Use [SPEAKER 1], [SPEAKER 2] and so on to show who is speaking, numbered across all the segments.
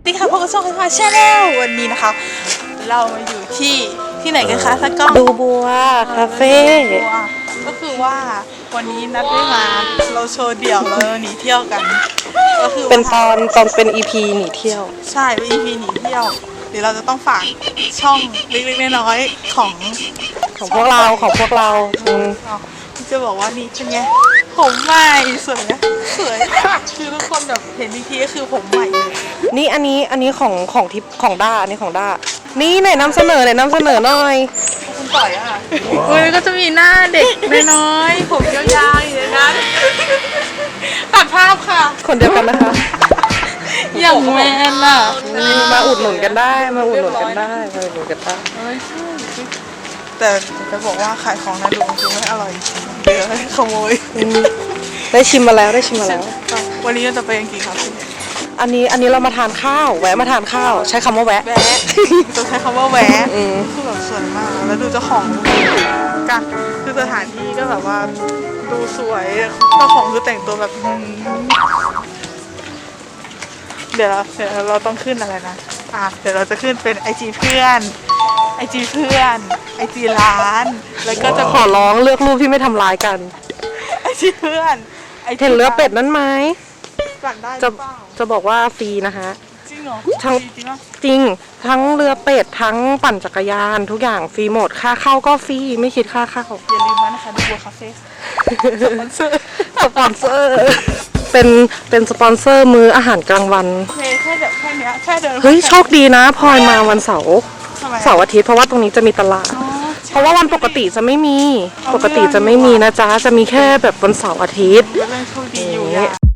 [SPEAKER 1] ดีค่ะพบกับช่องค่ะชาแนลวันนี้นะคะเรามาอยู่ที่ไหนกันคะทักก้อง
[SPEAKER 2] ดูบัวคาเฟ่
[SPEAKER 1] ก็คือว่าวันนี้นัดได้มาเราโชว์เดี่ยวเราหนีเที่ยวกันก็คือ
[SPEAKER 2] เป็นตอนเป็น EP หนีเที่ยว
[SPEAKER 1] ใช่เป็น EP หนีเที่ยวเดี๋ยวเราจะต้องฝากช่องเล็กๆน้อยๆของ
[SPEAKER 2] พวกเรา
[SPEAKER 1] จะบอกว่านี่เป็นไงผมใหม่สวยนะสวยคือทุกคนแบบเห็นอีกทีก็คือผมใหม่เลย
[SPEAKER 2] นี่อันนี้ของทิปของด้าอันนี้ของด้านี่ไหนนำเสนอหน่อย
[SPEAKER 1] คุณต่อยค่ะก็จะมีหน้าเด็กน้อยๆผมยาวๆอย่างนั้นตัดภาพค่ะ
[SPEAKER 2] คนเดียวกันนะคะ
[SPEAKER 1] อย่างแมนล่ะ
[SPEAKER 2] มาอุดหนุนกันได้
[SPEAKER 1] แต่จะบอกว่าขายของนะดูคือไม่อร่อยเดี๋ยวให้ขโมย
[SPEAKER 2] ได้ชิมมาแล้ว
[SPEAKER 1] วันนี้เราจะไปยังกี่ครับ
[SPEAKER 2] อันนี้เรามาทานข้าวแวะมาทานข้าวใช้คำว่าแวะ
[SPEAKER 1] จะใช้คำว่าแวะคือแบบสวยมากแล้วดูเจ้าของกันคือสถานที่ก็แบบว่าดูสวยเจ้าของคือแต่งตัวแบบเดี๋ยวเราต้องขึ้นอะไรนะเดี๋ยวเราจะขึ้นเป็นIG เพื่อนIG ร้านแล้วก็จะ
[SPEAKER 2] ขอร้องเลือกรูปที่ไม่ทำร้ายกัน
[SPEAKER 1] IG เพื่อน
[SPEAKER 2] เห็นเรือเป็ดนั้นไหม
[SPEAKER 1] สั่งได้
[SPEAKER 2] จะบอกว่าฟรีนะคะ
[SPEAKER 1] จริงเหรอ
[SPEAKER 2] จริงทั้งเรือเป็ดทั้งปั่นจักรยานทุกอย่างฟรีหมดค่าเข้าก็ฟรีไม่คิดค่าเข้า
[SPEAKER 1] อย่าลืมนะคะดูบัวคาเฟ่สปอนเซอร์
[SPEAKER 2] เป็นสปอนเซอร์มื้ออาหารกลางวัน
[SPEAKER 1] แค่เนี้ยแค่เดิน
[SPEAKER 2] เฮ้ยโชคดีนะพลอยมาวันเสาร์อาทิตย์เพราะว่าตรงนี้จะมีตลาดเพราะว่าวันปกติจะไม่มีนะจ๊ะจะมีแค่แบบวันเสาร์อาทิตย์
[SPEAKER 1] เรื่องโชคดีอยู่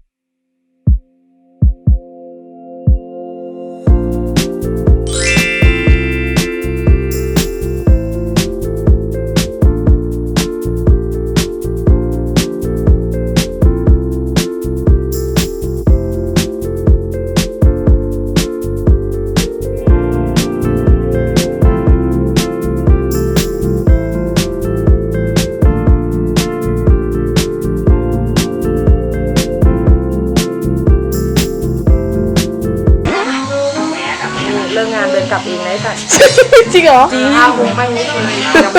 [SPEAKER 2] เลิกงานเดินกลับเองได้แต่
[SPEAKER 1] จริงเหรอ
[SPEAKER 2] จริงผมไม่รู้เลย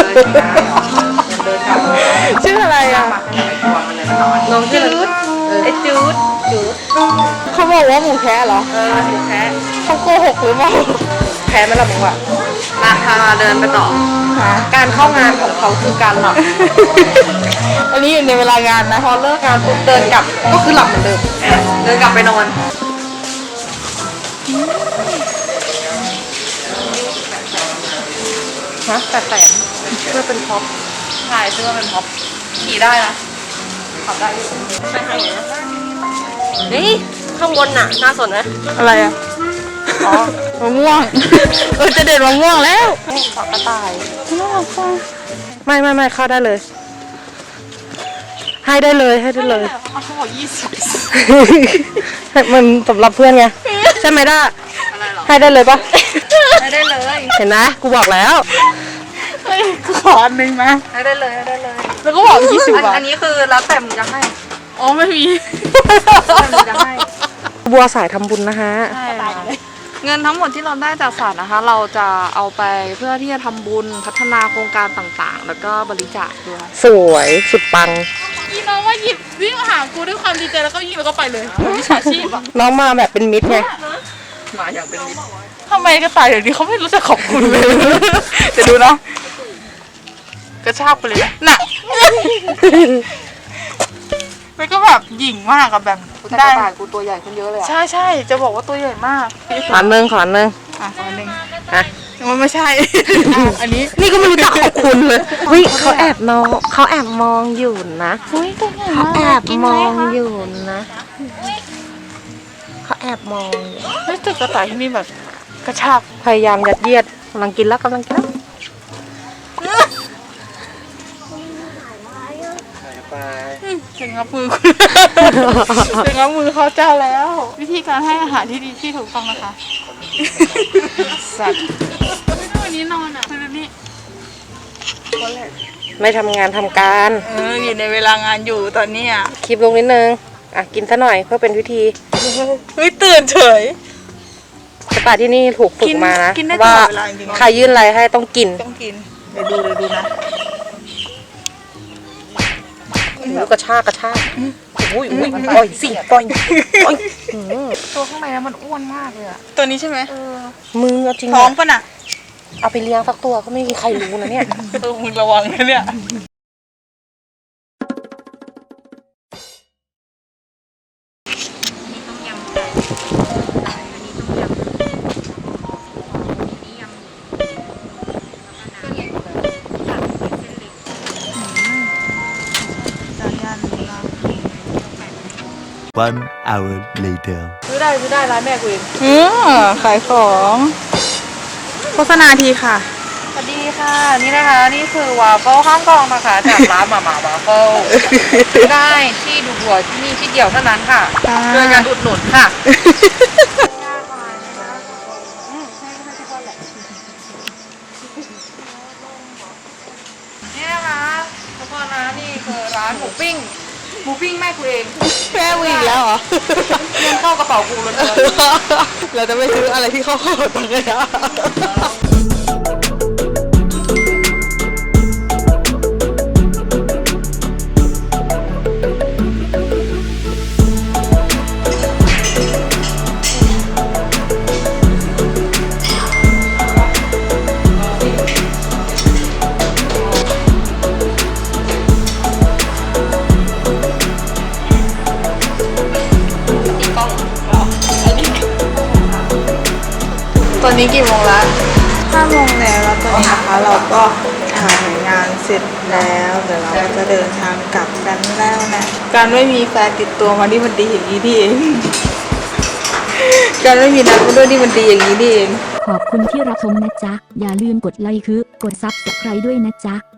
[SPEAKER 1] ชื่ออะไร
[SPEAKER 2] น้องจืด
[SPEAKER 1] ไอจืด
[SPEAKER 2] เขาบอกว่าหมูแท้เหรอ
[SPEAKER 1] หมูแท้
[SPEAKER 2] เขาโกหกหรือเปล่าแพ้ไหมล่ะมึงวะ
[SPEAKER 1] มาพาเดินไปต่อ
[SPEAKER 2] การเข้างานของเขาคือการหลับ
[SPEAKER 1] อันนี้อยู่ในเวลางานนะ
[SPEAKER 2] พอเลิกงานปุ๊บเดินกลับก็คือหลับเหมือนเดิม
[SPEAKER 1] เดินกลับไปนอน
[SPEAKER 2] แต่เพื่อเป็นพ็อป
[SPEAKER 1] ใช่เพื่อเป็นพ็อปขี่ได้นะขับได้อยู่ไปทางไหน
[SPEAKER 2] นี่ข้างบนน่ะน่าสนไหม
[SPEAKER 1] อะไรอ่ะอ๋อมะม่วงจะเด็ดมะม่วงแล้ว
[SPEAKER 2] ขอกระต่ายไม่เข้าได้เลยให้ได้เลย
[SPEAKER 1] เขาบอก
[SPEAKER 2] 20มันสำหรับเพื่อนไงใช่ไหมด้าให้ได้เลยปะ
[SPEAKER 1] ให้ได้เลย
[SPEAKER 2] เห็นนะกูบอกแล้ว
[SPEAKER 1] ขออันนึงมา
[SPEAKER 2] ให้ได้เลย
[SPEAKER 1] แล้วก็บอก20 บาท
[SPEAKER 2] อันนี้คือแล้วแต่มึงจะให้
[SPEAKER 1] อ๋อไม่มี
[SPEAKER 2] จะให้บัวสายทำบุญนะคะ
[SPEAKER 1] เงินทั้งหมดที่เราได้จากศาลนะคะเราจะเอาไปเพื่อที่จะทำบุญพัฒนาโครงการต่างๆแล้วก็บริจาคด้วย
[SPEAKER 2] สวยสุดปัง
[SPEAKER 1] อีน้องว่าหยิบวิ่งมาหากูด้วยความดีใจแล้วก็ยิงแล้วก็ไปเลยวิชาชีพอ่ะ
[SPEAKER 2] น้องมาแบบเป็นมิตรไง
[SPEAKER 1] มาอย่างเป็นมิตรทำไมกระต่ายเดี๋ยวนี้เขาไม่รู้จักขอบคุณเลยจะดูนะกระชากไปเลยน่ะมันก็แบบหยิ่งมากกับแบบ
[SPEAKER 2] ได้กูตัวใหญ่ขึ้นเยอะเลย
[SPEAKER 1] ใช่จะบอกว่าตัวใหญ่มาก
[SPEAKER 2] ขอนึง
[SPEAKER 1] ขอนึงมันไม่ใช่อันนี้
[SPEAKER 2] นี่ก็ไม่รู้จักขอบคุณเลยเขาแอบมองอยู่นะเขาแอบมองอยู่นะเขาแอบมอง
[SPEAKER 1] ไม่ตึกกระต่ายที่นี่แบบกระชาก
[SPEAKER 2] พยายามยัดเยียดกำลังกินแล้ว
[SPEAKER 1] ถึงงับมือเขาเจ้าแล้ววิธีการให้อาหารที่ดีที่ถูกต้องนะคะสัตว์วันนี้นอนอ่ะคือนี่
[SPEAKER 2] ไม่ทำงานทำการ
[SPEAKER 1] อยู่ในเวลางานอยู่ตอนนี้
[SPEAKER 2] คลิปลงนิดนึงกินซะหน่อยเพื่อเป็นวิธี
[SPEAKER 1] เฮ้ยตื่นเฉย
[SPEAKER 2] แต่ป่าที่นี่ถูกฝึกมานะ
[SPEAKER 1] กินได้ต
[SPEAKER 2] ว่า
[SPEAKER 1] ลอดเวลาจริงๆ
[SPEAKER 2] ใครยื่นอะไรให้ต้องกิน
[SPEAKER 1] ต้องกินเดี๋ยวดูนะ
[SPEAKER 2] กระชากอุ้ยปล่อยสิปล่อยตัวข้างในมันอ้วนมากเลยอะ
[SPEAKER 1] ตัวนี้ใช่ไหม
[SPEAKER 2] มือจริง
[SPEAKER 1] ท้องปะน่ะ
[SPEAKER 2] เอาไปเลี้ยงสักตัวก็ไม่มีใครรู้นะเนี่ย
[SPEAKER 1] มึงระวังนะเนี่ย
[SPEAKER 3] One hour later.
[SPEAKER 2] ซื้อได้ร้านแม่กูเอง
[SPEAKER 1] ขายของโฆษณาทีค่ะ
[SPEAKER 2] สวัสดีค่ะ นี่นะคะนี่คือวาฟเฟิลข้างกองนะคะจากร้านหม่าวาฟเฟิลได้ที่ดูบัวที่นี่ที่เดียวเท่านั้นค่ะช่วยกันอุดหนุนค่ะนี่นะคะทุกคนนะนี่คือร้านหมูปิ้งแม่กูเอง
[SPEAKER 1] แม่มึงอีกแล้วเหรอ
[SPEAKER 2] เงินเข้ากระเป๋ากูเลย
[SPEAKER 1] เราจะไม่ซื้ออะไรที่เข้าข้าวตังค์เลยนะตอนนี้กี่โมงละ5 โมงแล้วตอนนี้นะคะเราก็ถ่ายงานเสร็จแล้วเดี๋ยวเราก็จะเดินทางกลับกันแล้วนะ การไม่มีแฟนติดตัวมานี่มันดีอย่างนี้นี่เอง การไม่มีนัดมาด้วยนี่มันดีอย่างนี้นี่เอง
[SPEAKER 4] ขอบคุณที่รับชมนะจ๊ะ อย่าลืมกดไลค์กดซับสไครต์ด้วยนะจ๊ะ